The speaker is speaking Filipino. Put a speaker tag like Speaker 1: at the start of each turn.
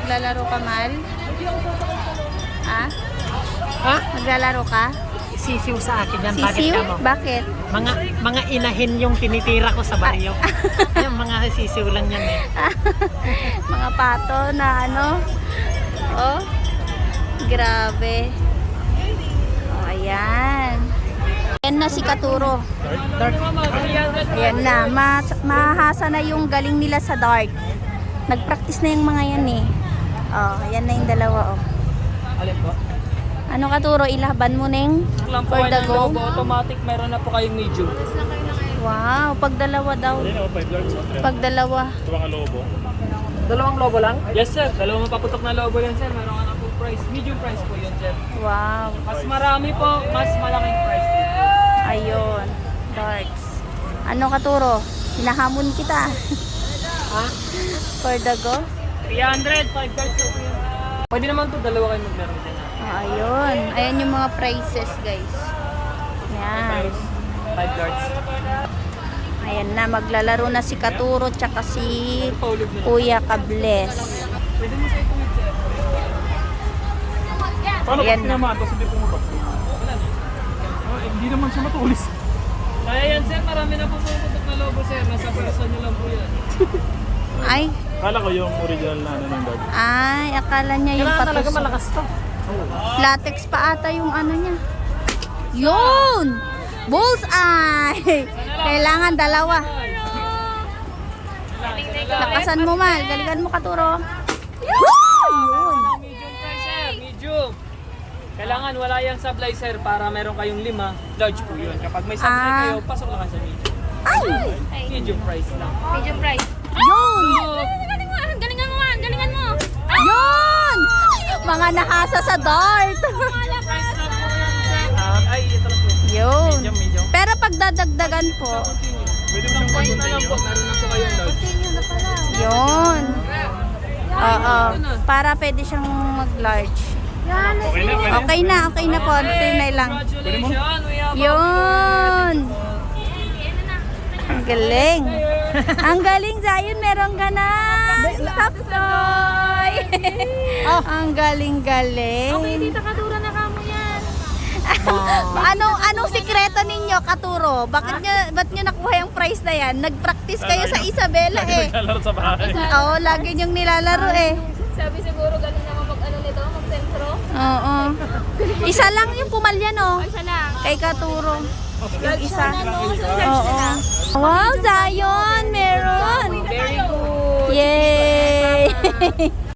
Speaker 1: Maglalaro ka, Mal? Ha?
Speaker 2: Ha?
Speaker 1: Maglalaro ka?
Speaker 2: Sisiw sa akin yan. Bakit
Speaker 1: Sisiw?
Speaker 2: ka mo?
Speaker 1: Bakit?
Speaker 2: Mga inahin yung tinitira ko sa baryo. Yung mga sisiw lang yan eh.
Speaker 1: Mga pato na ano? Oh, grabe. Oh, ayan. Ayan na si Katuro. Ayan na. Mahasa na yung galing nila sa dart. Nag-practice na yung mga yan eh. Oh, ayan na yung dalawa oh.
Speaker 3: Alin po?
Speaker 1: Ano Katuro, ilaban mo neng
Speaker 3: Lang po
Speaker 1: for the
Speaker 3: ng
Speaker 1: go?
Speaker 3: lobo, automatic meron na po kayong medium.
Speaker 1: Wow, pag dalawa daw. Pag dalawa.
Speaker 3: Dalawang lobo lang? Yes sir, dalawang mapaputok na lobo yan sir. Meron ka na full price. Medium price po yun sir.
Speaker 1: Wow.
Speaker 3: Mas marami po, mas malaking price dito.
Speaker 1: Ayun, darts. Ano Katuro? Hinahamon kita.
Speaker 3: Ha?
Speaker 1: For the go?
Speaker 3: 300, 5 cards po yun. Pwede naman po dalawa kayo maglaro din.
Speaker 1: Oh, ayun. Ayan yung mga prices, guys. Yan.
Speaker 3: 5 cards.
Speaker 1: Ayan na, maglalaro na si Katuro tsaka si
Speaker 3: Paulog na.
Speaker 1: Kuya Kables.
Speaker 3: Pwede mo sa ituwid sir.
Speaker 4: Paano
Speaker 1: Ayan
Speaker 4: kasi
Speaker 1: na.
Speaker 4: naman, tapos hindi pumabak? Hindi naman siya matulis.
Speaker 3: Kaya yan sir, marami na po pumuputok na lobo sir. Nasa person nyo lang po yan.
Speaker 1: Ay,
Speaker 4: Kala ko yung original na ano ng dog.
Speaker 1: ay, akala niya yung
Speaker 2: Kailangan talaga
Speaker 1: patos.
Speaker 2: malakas to.
Speaker 1: Latex pa ata yung ano niya. Yun! Bullseye! Kailangan dalawa. Lakasan mo, Mal. Galingan mo, Katuro. Yun!
Speaker 3: Medium price sir, medium. Kailangan wala yung supply sir para meron kayong 5. Large po yun. Kapag may supply kayo, pasok lang kayo sa medium.
Speaker 1: Ay!
Speaker 3: Medium price lang.
Speaker 5: Medium price.
Speaker 1: Yun!
Speaker 5: Galingan mo, galingan mo, galingan mo.
Speaker 1: Yun! Mga nahasa sa dart.
Speaker 3: Price lang po yan sir. Ay, ito lang po.
Speaker 1: Yun.
Speaker 3: Medium.
Speaker 1: Pero pag dadagdagan po,
Speaker 3: Continue.
Speaker 4: Pwede mo siyang
Speaker 3: Ito na lang po, meron na po kayong large.
Speaker 1: yun. Oo. Para pwede siyang mag-large.
Speaker 4: Okay na, pwede.
Speaker 1: Okay na po. Tinay lang.
Speaker 3: Congratulations, we have
Speaker 1: Yun! Ang galing. Ang galing, Zion. Meron ka na. Stop toy. Ang galing-galing.
Speaker 5: Okay, dito Katuro na kamo yan.
Speaker 1: Anong sikreto ninyo, Katuro? Ba't nyo nakuha yung prize na yan? Nag-practice kayo sa Isabela eh.
Speaker 4: Naglalaro sa bahay.
Speaker 1: Oo, lagi nyong nilalaro eh.
Speaker 5: Sabi siguro galing naman mag-ano nito, mag-sentro.
Speaker 1: Oo. Isa lang yung pumalya, no?
Speaker 5: Isa lang.
Speaker 1: Kay Katuro. Yung isa.
Speaker 5: Ano, sa
Speaker 1: Oo. Wow, Zion! Meron!
Speaker 3: Very good.
Speaker 1: Yay!